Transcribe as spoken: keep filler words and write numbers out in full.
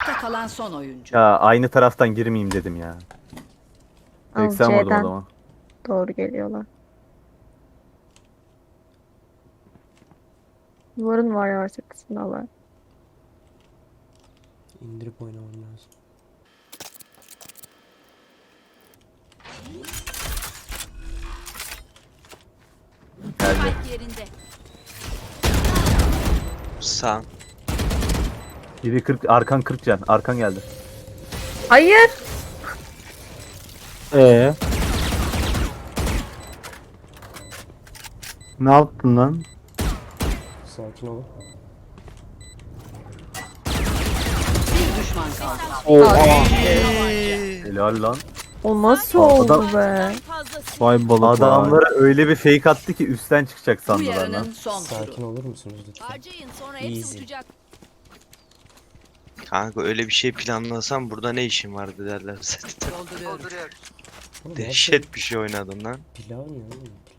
Ayakta kalan son oyuncu. Ya aynı taraftan girmeyeyim dedim ya. Al seksen vurdum o C'den zaman. doğru geliyorlar. Duvarın var ya arkasındalar. İndirip oynamam lazım. Geldi. Spike yerinde. Sağ. Biri kırk, arkan kırk can. Arkan geldi. Hayır. Ee. Ne yaptın lan? Sakin olun. Bir düşman kaldı. Oha. Helal lan. O nasıl Adam- oldu be? Vay balık vay. Adamlara öyle bir fake attı ki üstten çıkacak Bu sandılar lan. yarının son Sakin turu. olur musunuz lütfen? Harcayın sonra Easy. hepsi uçacak. Kanka öyle bir şey planlasam burada ne işin vardı derler zaten. Dolduruyorum. Oğlum, Dehşet bir şey oynadın lan. Pilav ne oğlum?